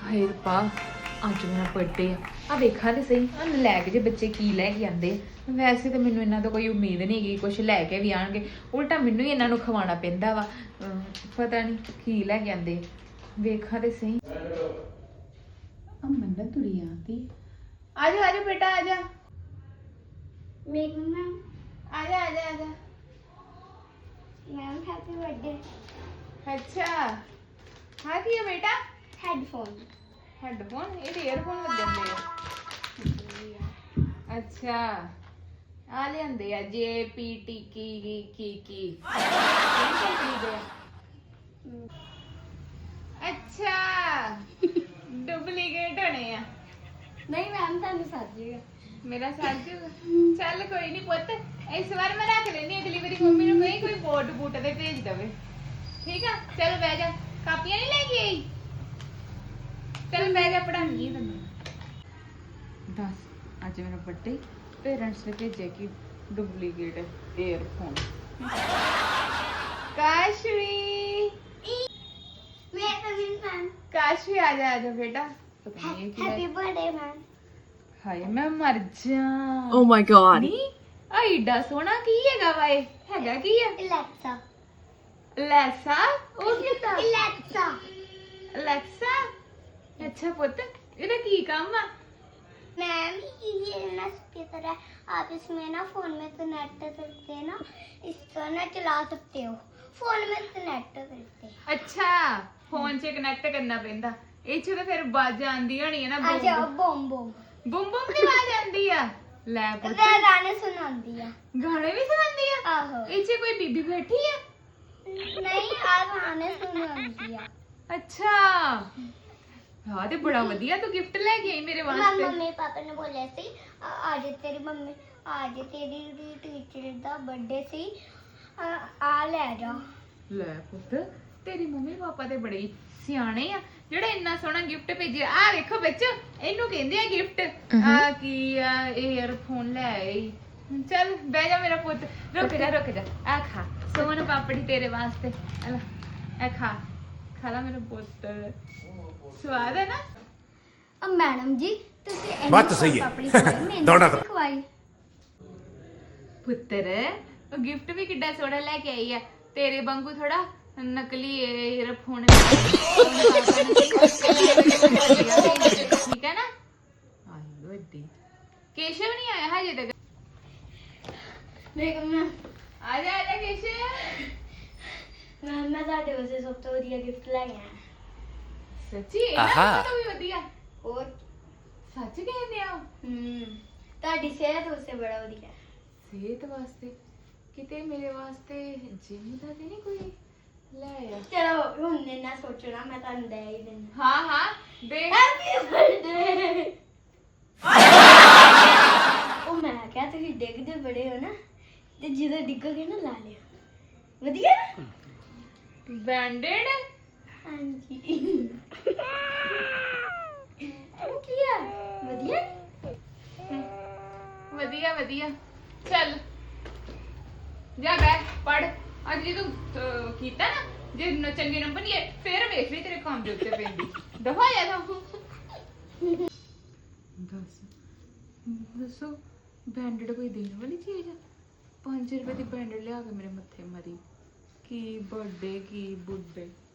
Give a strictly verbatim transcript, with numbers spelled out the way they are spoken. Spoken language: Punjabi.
ਹਾਏ ਰੱਬਾ ਅੱਜ ਮੇਰਾ ਬਰਥਡੇ ਆ ਆ ਵੇਖਾਂ ਤੇ ਸਹੀ ਆ ਲੈ ਕੇ ਜੇ ਬੱਚੇ ਕੀ ਲੈ ਕੇ ਆਂਦੇ ਵੈਸੇ ਤਾਂ ਮੈਨੂੰ ਇਹਨਾਂ ਤੋਂ ਕੋਈ ਉਮੀਦ ਨਹੀਂ ਹੈਗੀ ਕੁਝ ਲੈ ਕੇ ਵੀ ਆਣਗੇ ਉਲਟਾ ਮੈਨੂੰ ਹੀ ਇਹਨਾਂ ਨੂੰ ਖਵਾਉਣਾ ਪੈਂਦਾ ਵਾ ਪਤਾ ਨਹੀਂ ਕੀ ਲੈ ਕੇ ਆਂਦੇ ਵੇਖਾਂ ਤੇ ਸਹੀ ਆ ਮੰਨਤ ਤੁਰੀ ਆਂਦੀ ਆ ਜਾ ਆ ਜਾ ਬੇਟਾ ਆ ਜਾ मेघ मैम आ जा आ जा आ जा मैम हैप्पी बर्थडे अच्छा हाँ की है बेटा हेडफोन हेडफोन ये ईयरफोन लग जाते हैं अच्छा आ ले आंदे आ जे पी टी की की की अच्छा डुप्लीकेट होने हैं नहीं मैम थानू साजिएगा मेरा साथ चल कोई नहीं पुत इस बार मैं रख लेनी अगली बारी मम्मी ने कहीं कोई बोट बूट दे भेज दवे ठीक है चल बह जा कापियां नहीं लेके आई चल बह जा पढ़ानी है तन्नू दस आज मेरा बर्थडे पेरेंट्स ने भेजे कि डुप्लीकेट ईयरफोन काशवी मैं कविन मैम काशवी आ जा आ जा बेटा पता नहीं क्या हैप्पी बर्थडे मैम हाय मैं मर जा Oh my god. ਨੀ ਆ ਏਡਾ ਸੋਹਣਾ ਕੀ ਹੈਗਾ ਵਾ ਇਹ ਹੈਗਾ ਕੀ ਹੈ एलेक्सा ਲੈਸਾ ਉਹ ਕੀ ਤਾਂ एलेक्सा ਅਲੈਕਸਾ ਅੱਛਾ ਪੁੱਤ ਇਹਦਾ ਕੀ ਕੰਮ ਆ मैम ये ना की तरह आप इसमें ना फोन में तो नेट करते हैं ना इसको ना चला सकते हो फोन में तो नेट करते ਅੱਛਾ ਫੋਨ 'ਚ ਕਨੈਕਟ ਕਰਨਾ ਪੈਂਦਾ ਇਹ 'ਚ ਤਾਂ ਫਿਰ ਬਾਜ ਆਂਦੀ ਹੋਣੀ ਹੈ ਨਾ आ जाओ बम बम ਬੁੰਮ ਬੁੰਮ ਦੀ ਆਵਾਜ਼ ਆਂਦੀ ਆ ਲੈ ਪੁੱਤ मैं गाने सुनाती है ਗਾਣੇ ਵੀ ਸੁਣਾਉਂਦੀ ਆ आहो ਇਹ 'ਚ ਕੋਈ ਬੀਬੀ ਬੈਠੀ ਆ नहीं आ गाने सुनाती है ਅੱਛਾ ਹਾਂ ਤੇ ਬੜਾ ਵਧੀਆ ਤੂੰ ਗਿਫਟ ਲੈ ਕੇ ਆਈ ਮੇਰੇ मैं ਵਾਸਤੇ मम्मी पापा ने बोले सी आ- आज तेरी मम्मी आज तेरी टीचर दा बर्थडे सी आ आ ले जा ਲੈ ਪੁੱਤ ਤੇਰੀ ਮੰਮੀ ਪਾਪਾ ਤੇ ਬੜੇ ਹੀ ਸਿਆਣੇ ਆ ਜਿਹੜਾ ਇੰਨਾ ਸੋਹਣਾ ਗਿਫਟ ਭੇਜਿਆ ਆ ਵੇਖੋ ਬੱਚੋ ਇਹਨੂੰ ਕਹਿੰਦੇ ਆ ਗਿਫਟ ਆ ਕੀ ਆ ਈਅਰਫੋਨ ਲੈ ਆਈ ਚੱਲ ਬਹਿ ਜਾ ਮੇਰਾ ਪੁੱਤ ਰੁਕ ਜਾ ਰੁਕ ਜਾ ਆ ਖਾ ਸੋਨ ਪਾਪੜੀ ਤੇਰੇ ਵਾਸਤੇ ਆ ਲੈ ਆ ਖਾ ਖਾ ਲਾ ਮੇਰਾ ਪੁੱਤ ਸਵਾਦ ਹੈ ਨਾ अब मैडम जी ਤੁਸੀਂ ਇਹਨੂੰ ਬਾਤ ਤਾਂ ਸਹੀ ਹੈ। ਆਪਣੀ ਖਵਾਈ ਮੈਨੂੰ ਦੌੜਾ ਨਹੀਂ ਖਵਾਈ ਪੁੱਤਰ ਉਹ ਗਿਫਟ ਵੀ ਕਿੱਡਾ ਸੋਹਣਾ ਲੈ ਕੇ ਆਈ ਆ ਤੇਰੇ ਵਾਂਗੂ ਥੋੜਾ ਨਕਲੀ ਈਅਰਫੋਨ ਠੀਕ ਹੈ ਨਾ ਆਈ ਵੱਡੀ ਕੇਸ਼ਵ ਨਹੀਂ ਆਇਆ ਹਜੇ ਤੱਕ ਦੇਖੋ ਮੈਂ ਆ ਜਾ ਆ ਜਾ ਕੇਸ਼ਵ ਮੈਂ ਮੈਂ ਤੁਹਾਡੇ ਵਾਸਤੇ ਸਭ ਤੋਂ ਵਧੀਆ ਗਿਫਟ ਲੈ ਕੇ ਆਇਆ ਸੱਚੀ ਇਹ ਤਾਂ ਵੀ ਵਧੀਆ ਹੋਰ ਸੱਚ ਕਹਿੰਦੇ ਆ ਹੂੰ ਤੁਹਾਡੀ ਸਿਹਤ ਵਾਸਤੇ ਬੜਾ ਵਧੀਆ ਸਿਹਤ ਵਾਸਤੇ ਕਿਤੇ ਮੇਰੇ ਵਾਸਤੇ ਜਿਮ ਦਾ ਤੇ ਨਹੀਂ ਕੋਈ ਲੈ ਆ ਚਲੋ ਹੁਣ ਇੰਨਾ ਸੋਚਣਾ ਮੈਂ ਤੁਹਾਨੂੰ ਦੇ ਹੀ ਦਿੰਦਾ ਹਾਂ ਹਾਂ ਦੇਖ ਹੈਪੀ ਬਰਥਡੇ ਉਹ ਮੈਂ ਕਿਹਾ ਤੁਸੀਂ ਡਿੱਗਦੇ ਬੜੇ ਹੋ ਨਾ ਤੇ ਜਦੋਂ ਡਿੱਗੋਗੇ ਨਾ ਲਾ ਲਿਓ ਵਧੀਆ ਨਾ ਬੈਂਡਡ ਹਾਂਜੀ ਇਹ ਕੀ ਹੈ ਵਧੀਆ ਵਧੀਆ ਵਧੀਆ ਚੱਲ ਜਾ ਬੈ ਪੜ ਅੱਜ ਜੇ ਤੂੰ ਅਹ, ਕੀਤਾ ਨਾ ਜੇ ਨ- ਚੰਗੇ ਨੰਬਰ ਨਹੀਂ ਆਏ ਫੇਰ ਵੇਖ ਲਈ ਤੇਰੇ ਕੰਮ ਦੇ ਉੱਤੇ ਪੈਂਦੀ ਦਫਾ ਜਾ ਤਾਂ ਦੱਸ ਦੱਸੋ ਬੈਂਡਡ ਕੋਈ ਦੇਣ ਵਾਲੀ ਚੀਜ਼ ਆ ਪੰਜ ਰੁਪਏ ਦੀ ਬੈਂਡਡ ਲਿਆ ਕੇ ਮੇਰੇ ਮੱਥੇ ਮਰੀ ਕੀ ਬਰਥਡੇ ਕੀ ਬੁੱਢੇ